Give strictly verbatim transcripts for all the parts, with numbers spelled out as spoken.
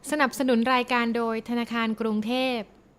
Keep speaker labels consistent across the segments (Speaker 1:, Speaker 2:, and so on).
Speaker 1: สนับสนุนรายการโดยธนาคารกรุงเทพ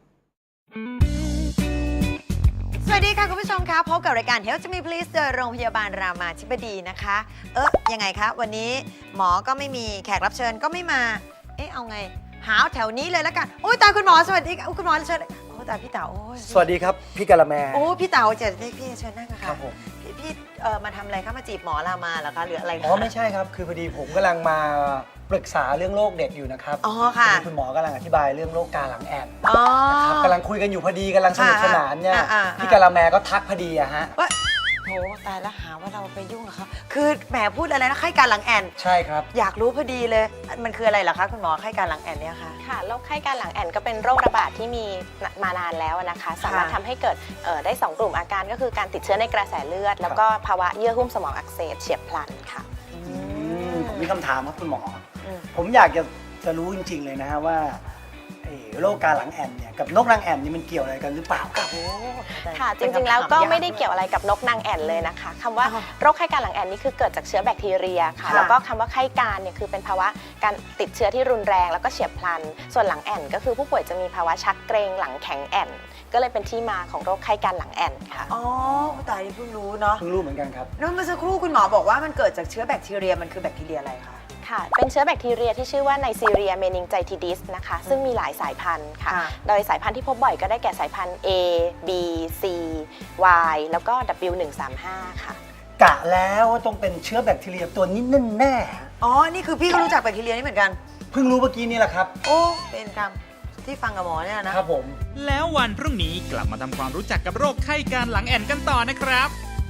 Speaker 2: สวัสดีค่ะคุณผู้ชมคะพบกับรายการ Health to Me Please โดยโรงพยาบาลรามาธิบดีนะคะเอ๊ะยังไงคะวันนี้หมอก็ไม่มีแขกรับเชิญก็ไม่มาเอ๊ะเอาไงหาแถวนี้เลยแล้วกันโอ้ยตายคุณหมอสวัสดีค่ะคุณหมอเชิญโอ้ตายพี่เต๋าโอ้ย
Speaker 3: สวัสดีครับพี่กะละแม
Speaker 2: โอ้พี่เต๋าเจอพี่พี่เชิญนั่งค่ะ
Speaker 3: ครับผม
Speaker 2: พี่พี่เอ่อมาทำอะไรคะมาจีบหมอรามาเหรอคะหรืออะไรคะ
Speaker 3: อ๋อไม่ใช่ครับคือพอดีผมกำลังมาปรึกษาเรื่องโรคเด็กอยู่นะครับ
Speaker 2: อ๋อค่ะ
Speaker 3: พอดีคุณหมอกำลังอธิบายเรื่องโรคกาหลังแอน
Speaker 2: อ๋อ
Speaker 3: นะครับกำลังคุยกันอยู่พอดีกำลังสนุกสนานเนี่ย
Speaker 2: อ่าอ่าอ่า
Speaker 3: พี่กะละแมก็ทักพอดีอะฮะ
Speaker 2: ว่าโหตายแล้วหาว่าเราไปยุ่งกับเขาคือแหมพูดอะไรนะไข้การหลังแอน
Speaker 3: ใช่ครับ
Speaker 2: อยากรู้พอดีเลยมันคืออะไรเหรอคะคุณหมอไข้การหลังแอนเนี่ยคะ
Speaker 4: ค่ะโรคไข้การหลังแอนก็เป็นโรคระบาดที่มีมานานแล้วนะคะ สามารถทำให้เกิดเอ่อได้สองกลุ่มอาการก็คือการติดเชื้อในกระแสเลือด แล้วก็ภาวะเยื่อหุ้มสมองอักเสบเฉียบพลันค่ะ
Speaker 3: อืมผมมีคำถามครับคุณหมอ
Speaker 2: อืม
Speaker 3: ผมอยากจะจะรู้จริง ๆ เลยนะฮะว่าไอ้โรคกาหลังแอนเนี่ยกับนกนางแอ่นนี่มันเกี่ยวอะไรกันหรือเปล่าครับ
Speaker 2: โอ้
Speaker 4: ค่ะจ
Speaker 2: เป็น
Speaker 4: ริงๆแล้วก็
Speaker 2: คำถา
Speaker 4: ไม่ได้เกี่ยวอะไรกับนกนางแอ่นเลยนะคะคำว่า
Speaker 2: อ๋อ
Speaker 4: โรคไข้การหลังแอ่นนี่คือเกิดจากเชื้อแบคทีเรียค่ะ
Speaker 2: ค่ะ
Speaker 4: แล้วก็คำว่าไข้การเนี่ยคือเป็นภาวะการติดเชื้อที่รุนแรงแล้วก็เฉียบพลัน ส่วนหลังแอ่นก็คือผู้ป่วยจะมีภาวะชักเกร็งหลังแข็งแอ่นก็เลยเป็นที่มาของโรคไข้การหลังแอ่นค่ะ
Speaker 2: อ๋อตายนี่เพิ่งรู้เนาะ
Speaker 3: เพิ่งรู้เหมือนกันครับ
Speaker 2: แล้วเมื่อสักครู่คุณหมอบอกว่ามันเกิดจากเชื้อแบคทีเรียมันคือแบคทีเรียอะไรคะ
Speaker 4: ค่ะเป็นเชื้อแบคทีเรียที่ชื่อว่าไนซีเรียเมนิงไจทิดิสนะคะซึ่งมีหลายสายพันธุ์ค่ะ
Speaker 2: ค่ะ
Speaker 4: โดยสายพันธุ์ที่พบบ่อยก็ได้แก่สายพันธุ์ A B C Y แล้วก็ ดับเบิลยู หนึ่งสามห้า ค่ะ
Speaker 3: กะแล้วว่าต้องเป็นเชื้อแบคทีเรียตัวนี้แน่
Speaker 2: อ๋อนี่คือพี่ก็รู้จักแบคทีเรียนี่เหมือนกัน
Speaker 3: ๆเพิ่งรู้เมื่อกี้นี่แหละครับ
Speaker 2: โอ้เป็นกรรมที่ฟังกับหมอเนี่ยนะ
Speaker 3: ครับผม
Speaker 5: แล้ววันพรุ่งนี้กลับมาทำความรู้จักกับโรคไข้การหลังแอ่นกันต่อนะครับ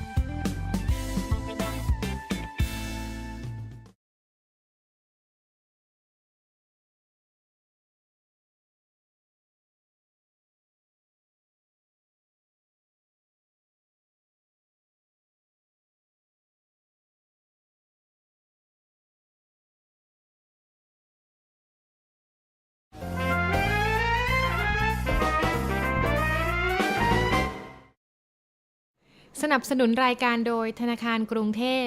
Speaker 1: สนับสนุนรายการโดยธนาคารกรุงเทพ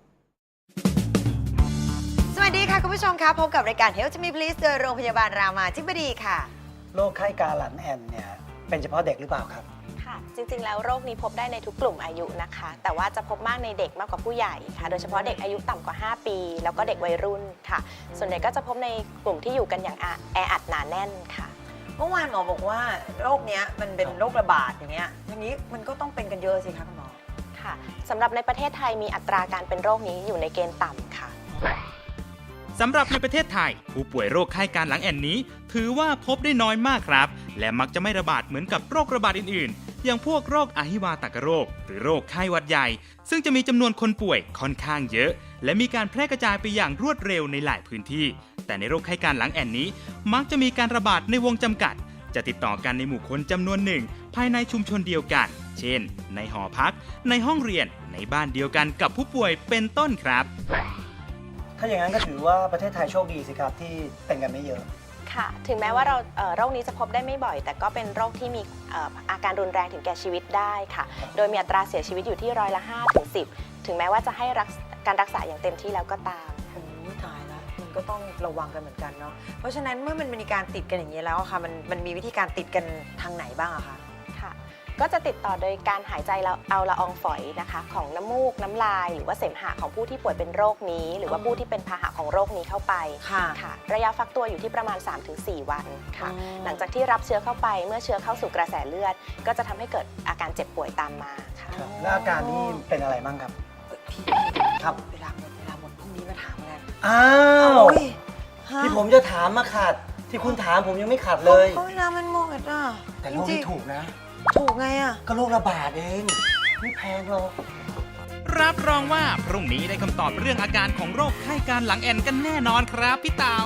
Speaker 2: สวัสดีค่ะคุณผู้ชมคะพบกับรายการ Health to Me Please โดยโรงพยาบาลรามาธิบดีค่ะ
Speaker 3: โรคไข้กาหลังแอนเนี่ยเป็นเฉพาะเด็กหรือเปล่าครับ
Speaker 4: ค่ะ จริงๆ แล้วโรคนี้พบได้ในทุกกลุ่มอายุนะคะ แต่ว่าจะพบมากในเด็กมากกว่าผู้ใหญ่ค่ะ โดยเฉพาะเด็กอายุต่ำกว่า ห้า ปี แล้วก็เด็กวัยรุ่นค่ะ ส่วนใหญ่ก็จะพบในกลุ่มที่อยู่กันอย่างแออัดหนาแน่นค่ะ
Speaker 2: เมื่อวานหมอบอกว่าโรคเนี้ยมันเป็นโรคระบาดอย่างเงี้ยอย่างนี้มันก็ต้องเป็นกันเยอะสิคะคุณหมอ
Speaker 4: ค่ะสำหรับในประเทศไทยมีอัตราการเป็นโรคนี้อยู่ในเกณฑ์ต่ำค่ะ
Speaker 5: สำหรับในประเทศไทย ผู้ป่วยโรคไข้การหลังแอนนี้ ถือว่าพบได้น้อยมากครับ และมักจะไม่ระบาดเหมือนกับโรคระบาดอื่นๆ อย่างพวกโรคอหิวาตกโรค หรือโรคไข้หวัดใหญ่ ซึ่งจะมีจำนวนคนป่วยค่อนข้างเยอะ และมีการแพร่กระจายไปอย่างรวดเร็วในหลายพื้นที่ แต่ในโรคไข้การหลังแอนนี้ มักจะมีการระบาดในวงจำกัด จะติดต่อกันในหมู่คนจำนวนหนึ่ง ภายในชุมชนเดียวกัน เช่น ในหอพัก ในห้องเรียน ในบ้านเดียวกันกับผู้ป่วยเป็นต้นครับ
Speaker 3: ถ้าอย่างนั้นก็ถือว่าประเทศไทยโชคดีสิครับที่เป็นกันไม่เยอะ
Speaker 4: ค่ะ ถึงแม้ว่าเราเอ่อโรคนี้จะพบได้ไม่บ่อย แต่ก็เป็นโรคที่มีเอ่ออาการรุนแรงถึงแก่ชีวิตได้ค่ะ โดยมีอัตราเสียชีวิตอยู่ที่ร้อยละห้าถึงสิบถึงแม้ว่าจะให้รักษการรักษาอย่างเต็มที่แล้วก็ตาม
Speaker 2: โอ้ยตายแล้วมันก็ต้องระวังกันเหมือนกันเนาะเพราะฉะนั้นเมื่อมันมีการติดกันอย่างนี้แล้วอะค่ะมันมันมีวิธีการติดกันทางไหนบ้างอะคะ
Speaker 4: ค่ะ ก็จะติดต่อโดยการหายใจเราเอาละอองฝอยนะคะของน้ำมูกน้ำลาย หรือว่าเสมหะของผู้ที่ป่วยเป็นโรคนี้ หรือว่าผู้ที่เป็นพาหะของโรคนี้เข้าไป
Speaker 2: ค่ะ
Speaker 4: ค่ะ ระยะฟักตัวอยู่ที่ประมาณ สามถึงสี่ วันค่ะ
Speaker 2: อ๋อ
Speaker 4: หลังจากที่รับเชื้อเข้าไปเมื่อเชื้อเข้าสู่กระแสเลือด ก็จะทำให้เกิดอาการเจ็บป่วยตามมาค่ะ
Speaker 3: ครับแล้วอาการนี่เป็นอะไรบ้างครับ
Speaker 2: เอ้ยพี่
Speaker 3: ครับ
Speaker 2: เวลาหมดเวลาหมดพรุ่งนี้มาถามกัน
Speaker 3: อ้าว
Speaker 2: โอ้ยฮะ
Speaker 3: ที่ผมจะถามมาขาด ที่คุณถามผมยังไม่ขาดเลย
Speaker 2: เพราะเวลามันหมดอ่ะ
Speaker 3: แต่โรค
Speaker 2: จริ
Speaker 3: นี้
Speaker 2: งๆ
Speaker 3: ถูกนะ
Speaker 2: ถูกไงอ่ะ
Speaker 3: ก็โรคระบาดเอง ไม่แพงหรอก
Speaker 5: รับรองว่าพรุ่งนี้ได้คำตอบเรื่องอาการของโรคไข้การหลังแอนกันแน่นอนครับพี่เต๋า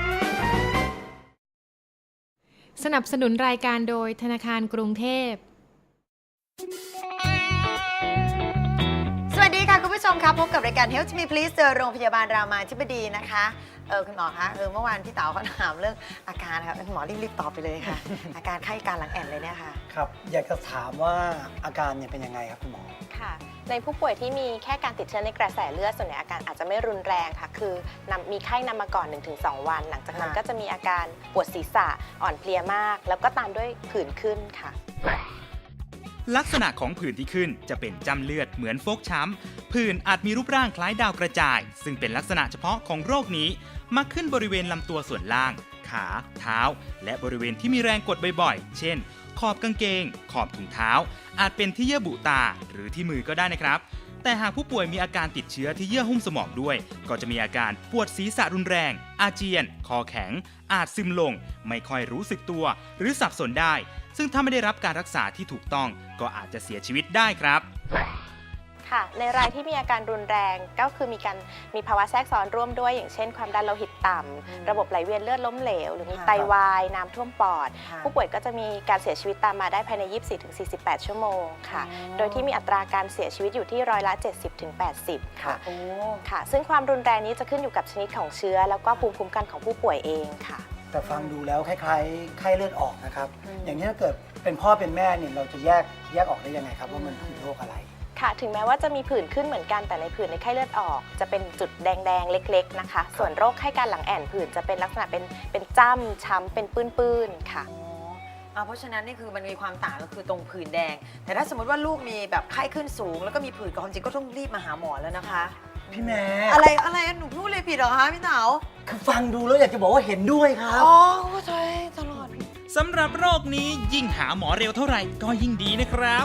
Speaker 1: สนับสนุนรายการโดยธนาคารกรุงเทพ
Speaker 2: สวัสดีค่ะคุณผู้ชมครับพบกับรายการ Health Me Please เจอโรงพยาบาลรามาธิบดีนะคะเออคุณหมอคะเออเมื่อวานพี่เต๋าเขาถามเรื่องอาการนะคะคุณหมอรีบๆตอบไปเลยค่ะ อาการไข้การหลังแอนเลยเนี่ยค่ะ
Speaker 3: ครับอยากจะถามว่าอาการเนี่ยเป็นยังไงครับคุณหมอ
Speaker 4: ค่ะในผู้ป่วยที่มีแค่การติดเชื้อในกระแสเลือดส่วนใหญ่อาการอาจจะไม่รุนแรงค่ะคือนำมีไข้นำมาก่อน หนึ่งถึงสอง วัน หลังจากนั้น
Speaker 2: ค่ะ
Speaker 4: ก็จะมีอาการปวดศีรษะอ่อนเพลียมาก แล้วก็ตามด้วยผื่นขึ้นค่ะ
Speaker 5: ลักษณะของผื่นที่ขึ้นจะเป็นจ้ำเลือดเหมือนฟกช้ำผื่นอาจมีรูปร่างคล้ายดาวกระจาย ซึ่งเป็นลักษณะเฉพาะของโรคนี้มักขึ้นบริเวณลำตัวส่วนล่าง ขา เท้า และบริเวณที่มีแรงกดบ่อยๆ เช่น ขอบกางเกง ขอบถุงเท้า อาจเป็นที่เยื่อบุตาหรือที่มือก็ได้นะครับ แต่หากผู้ป่วยมีอาการติดเชื้อที่เยื่อหุ้มสมองด้วย ก็จะมีอาการปวดศีรษะรุนแรง อาเจียน คอแข็ง อาจซึมลง ไม่ค่อยรู้สึกตัว หรือสับสนได้ ซึ่งถ้าไม่ได้รับการรักษาที่ถูกต้องก็อาจจะเสียชีวิตได้ครับ
Speaker 4: ค่ะในรายที่มีอาการรุนแรงก็คือมีการมีภาวะแทรกซ้อนร่วมด้วยอย่างเช่นความดันโลหิตต่ำระบบไหลเวียนเลือดล้มเหลว หรือมี
Speaker 2: ค่ะ
Speaker 4: ไตวายน้ำท่วมปอด
Speaker 2: ค่ะ
Speaker 4: ผู้ป่วยก็จะมีการเสียชีวิตตามมาได้ภายใน ยี่สิบสี่ถึงสี่สิบแปด ชั่วโมงค่ะ
Speaker 2: อ๋อ
Speaker 4: โดยที่มีอัตราการเสียชีวิตอยู่ที่ร้อยละ เจ็ดสิบถึงแปดสิบ ค่ะ
Speaker 2: โอ้
Speaker 4: ค่ะ ซึ่งความรุนแรงนี้จะขึ้นอยู่กับชนิดของเชื้อ แล้วก็ภูมิคุ้มกันของผู้ป่วยเองค่ะ
Speaker 3: แต่ฟังดูแล้วคล้ายๆไข้เลือดออกนะครับ
Speaker 2: อืม
Speaker 3: อย่างนี้ถ้าเกิดเป็นพ่อเป็นแม่เนี่ยเราจะแยกแยกออกได้ยังไงครับว่ามันคือโรคอะไร
Speaker 4: ค่ะถึงแม้ว่าจะมีผื่นขึ้นเหมือนกันแต่ในผื่นในไข้เลือดออกจะเป็นจุดแดงๆเล็กๆนะคะส่วนโรคไข้การหลังแอ่นผื่นจะเป็นลักษณะเป็นเป็นจ้ำช้ำเป็นปื้นๆค่ะ
Speaker 2: อ๋ออ่าเพราะฉะนั้นนี่คือมันมีความต่างก็คือตรงผื่นแดง แต่ถ้าสมมติว่าลูกมีแบบไข้ขึ้นสูง แล้วก็มีผื่นกับความจริงก็ต้องรีบมาหาหมอแล้วนะคะ
Speaker 3: พี่แม่
Speaker 2: อะไรอะไรหนูพูดเลยผิดเหรอคะพี่เต๋า
Speaker 3: คือฟังดูแล้วอยากจะบอกว่าเห็นด้วยครับ
Speaker 2: อ๋อเข้าใจตลอด
Speaker 5: สำหรับโรคนี้ยิ่งหาหมอเร็วเท่าไหร่ก็ยิ่งดีนะครับ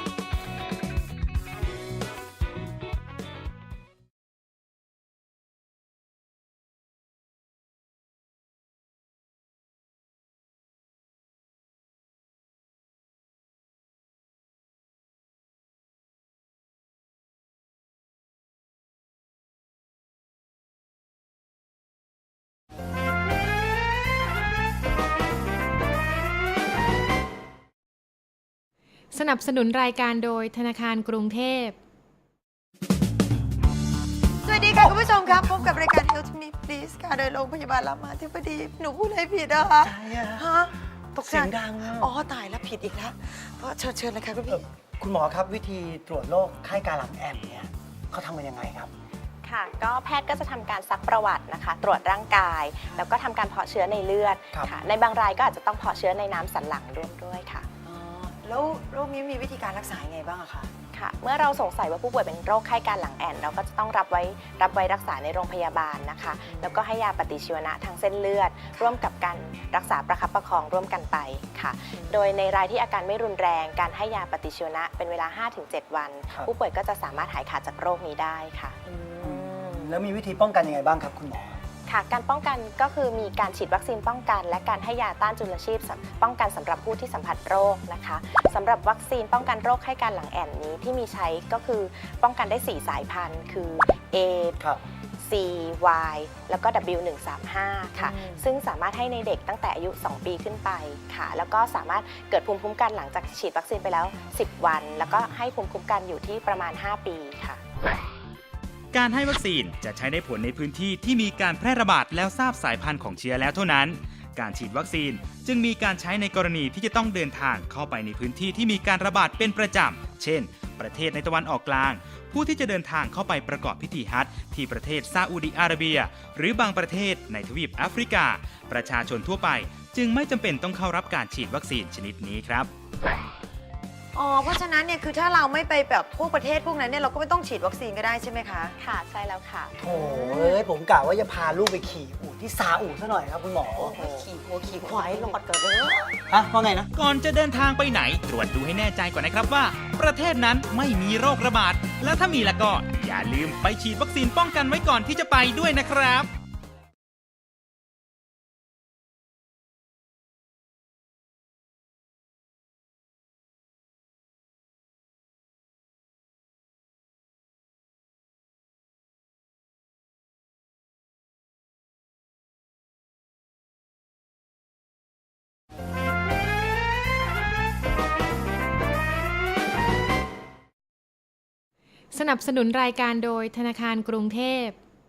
Speaker 1: สนับสนุนรายการโดยธนาคารกรุงเทพ
Speaker 2: สวัสดีค่ะคุณผู้ชมครับพบกับรายการ Health Me Please ค่ะโดยโรงพยาบาลรามาธิบดีหนูพูดอะไรผิดอะคะ
Speaker 3: ใช่อะ
Speaker 2: ฮะตกใจ
Speaker 3: เสียงดังอะ
Speaker 2: อ๋อตายแล้วผิดอีกแล้วก็เชิญเชิญเลยค่ะคุณ
Speaker 3: เอ่
Speaker 2: พี่
Speaker 3: อคุณหมอครับวิธีตรวจโรคไข้การหลังแอนเนี่ยเขาทำกันยังไงครับ
Speaker 4: ค่ะก็แพทย์ก็จะทำการซักประวัตินะคะ ตรวจร่างกาย แล้วก็ทำการเพาะเชื้อในเลือด
Speaker 3: ครับ
Speaker 4: ค่ะในบางรายก็อาจจะต้องเพาะเชื้อในน้ำสันหลังร่วมด้วยค่ะ
Speaker 2: อ๋อแล้วโรคนี้มีวิธีการรักษายังไงบ้างอะคะ
Speaker 4: ค่ะเมื่อเราสงสัยว่าผู้ป่วยเป็นโรคไข้การหลังแอนเราก็จะต้องรับไว้รับไว้รักษาในโรงพยาบาลนะคะ แล้วก็ให้ยาปฏิชีวนะทางเส้นเลือด ร่วมกับการรักษาประคับประคองร่วมกันไปค่ะ โดยในรายที่อาการไม่รุนแรงการให้ยาปฏิชีวนะเป็นเวลา ห้าถึงเจ็ด วัน
Speaker 3: ครับ
Speaker 4: ผู้ป่วยก็จะสามารถหายขาดจากโรคนี้ได้ค่ะ
Speaker 3: แล้วมีวิธีป้องกันยังไงบ้างครับคุณหมอ
Speaker 4: ค่ะการป้องกันก็คือมีการฉีดวัคซีนป้องกัน และการให้ยาต้านจุลชีพสำป้องกันสำหรับผู้ที่สัมผัสโรคนะคะสำหรับวัคซีนป้องกันโรคไข้การหลังแอ่นนี้ที่มีใช้ก็คือป้องกันได้ สี่ สายพันธุ์ คือ A
Speaker 3: ครับ
Speaker 4: C Y แล้วก็ ดับเบิลยู หนึ่งสามห้า ค่ะ
Speaker 2: อืม
Speaker 4: ซึ่งสามารถให้ในเด็กตั้งแต่อายุ สอง ปีขึ้นไปค่ะ แล้วก็สามารถเกิดภูมิคุ้มกันหลังจากฉีดวัคซีนไปแล้ว สิบ วัน แล้วก็ให้ภูมิคุ้มกันอยู่ที่ประมาณ ห้า ปีค่ะ
Speaker 5: การให้วัคซีนจะใช้ได้ผลในพื้นที่ที่มีการแพร่ระบาดแล้วทราบสายพันธุ์ของเชื้อแล้วเท่านั้น การฉีดวัคซีนจึงมีการใช้ในกรณีที่จะต้องเดินทางเข้าไปในพื้นที่ที่มีการระบาดเป็นประจำ เช่น ประเทศในตะวันออกกลาง ผู้ที่จะเดินทางเข้าไปประกอบพิธีฮัจญ์ที่ประเทศซาอุดิอาระเบีย หรือบางประเทศในทวีปแอฟริกา ประชาชนทั่วไปจึงไม่จำเป็นต้องเข้ารับการฉีดวัคซีนชนิดนี้ครับ
Speaker 2: อ๋อเพราะฉะนั้นเนี่ยคือถ้าเราไม่ไปแบบพวกประเทศพวกนั้นเนี่ยเราก็ไม่ต้องฉีดวัคซีนก็ได้ใช่ไหมคะ
Speaker 4: ค่ะใช่แล้วค่ะ
Speaker 3: โถ่เอ้ยผมกะว่าจะพาลูกไปขี่อู่ที่ซาอุซะหน่อยครับคุณหมอ
Speaker 2: ขี่หัวขี่ควายหลอดเกิดเลย
Speaker 3: ฮะว่าไงนะ
Speaker 5: ก่อนจะเดินทางไปไหนตรวจดูให้แน่ใจก่อนนะครับว่า ประเทศนั้นไม่มีโรคระบาด และถ้ามีแล้วก็อย่าลืมไปฉีดวัคซีนป้องกันไว้ก่อนที่จะไปด้วยนะครับ
Speaker 1: สนับสนุนรายการโดยธนาคารกรุงเทพ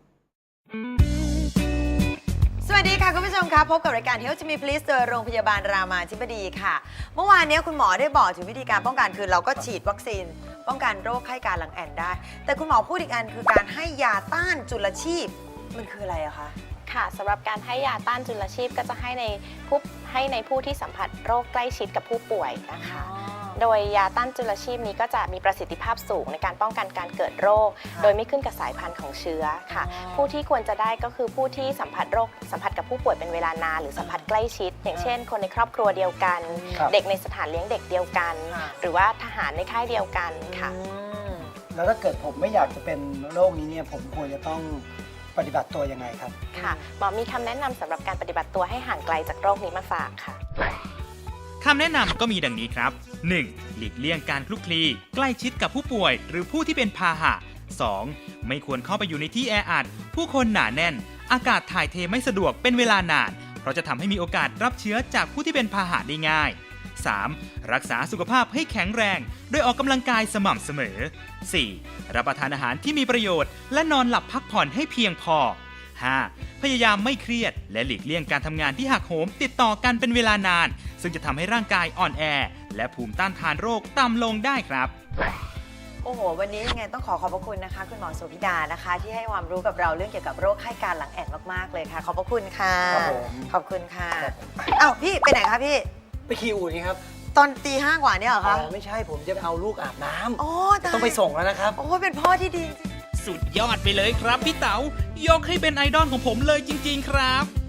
Speaker 2: สวัสดีค่ะคุณผู้ชมคะพบกับรายการ Health to Me Please โดยโรงพยาบาลรามาธิบดีค่ะเมื่อวานนี้คุณหมอได้บอกถึงวิธีการป้องกันคือเราก็ฉีดวัคซีนป้องกันโรคไข้การหลังแอนได้แต่คุณหมอพูดอีกอันคือการให้ยาต้านจุลชีพมันคืออะไรอะคะ
Speaker 4: ค่ะสำหรับการให้ยาต้านจุลชีพก็จะให้ในผู้ให้ในผู้ที่สัมผัสโรคใกล้ชิดกับผู้ป่วยนะคะโดยยาต้านจุลชีพนี้ก็จะมีประสิทธิภาพสูงในการป้องกันการเกิดโรคโดยไม่ขึ้นกับสายพันธุ์ของเชื้อค่ะผู้ที่ควรจะได้ก็คือผู้ที่สัมผัสโรคสัมผัสกับผู้ป่วยเป็นเวลานานหรือสัมผัสใกล้ชิดอย่างเช่นคนในครอบครัวเดียวกันเด็กในสถานเลี้ยงเด็กเดียวกันหรือว่าทหารในค่ายเดียวกันค่ะ
Speaker 3: แล้วถ้าเกิดผมไม่อยากจะเป็นโรคนี้เนี่ยผมควรจะต้องปฏิบัติตัวยังไงครับ
Speaker 4: ค่ะหมอมีคำแนะนำสำหรับการปฏิบัติตัวให้ห่างไกลจากโรคนี้มาฝากค่ะ
Speaker 5: คำแนะนำก็มีดังนี้ครับ หนึ่ง. หลีกเลี่ยงการคลุกคลีใกล้ชิดกับผู้ป่วยหรือผู้ที่เป็นพาหะ สอง. ไม่ควรเข้าไปอยู่ในที่แออัดผู้คนหนาแน่นอากาศถ่ายเทไม่สะดวกเป็นเวลานานเพราะจะทำให้มีโอกาสรับเชื้อจากผู้ที่เป็นพาหะได้ง่าย สาม. รักษาสุขภาพให้แข็งแรงโดยออกกำลังกายสม่ำเสมอ สี่. รับประทานอาหารที่มีประโยชน์และนอนหลับพักผ่อนให้เพียงพอ ห้า. พยายามไม่เครียดและหลีกเลี่ยงการทำงานที่หักโหมติดต่อกันเป็นเวลานานซึ่งจะทำให้ร่างกายอ่อนแอและภูมิต้านทานโรคต่ำลงได้ครับ
Speaker 2: โอ้โหวันนี้ยังไงต้องขอขอบพระคุณนะคะคุณหมอโสภิดานะคะที่ให้ความรู้กับเราเรื่องเกี่ยวกับโรคไข้การหลังแอนมากๆเลยค่ะขอบพระคุณค่ะขอบคุณค่ะอ้าวพี่ไปไหนคะพี่
Speaker 3: ไปขี่อูฐนี่ครับ
Speaker 2: ตอนตีห้ากว่าเนี่ยเหรอคะ
Speaker 3: อ๋อไม่ใช่ผมจะไปเอาลูกอาบน้ำ
Speaker 2: โอ้
Speaker 3: ต้องไปส่งแล้วนะครับ
Speaker 2: โอ้เป็นพ่อที่ดี
Speaker 5: สุดยอดไปเลยครับพี่เต๋ายกให้เป็นไอดอลของผมเลยจริงๆครับ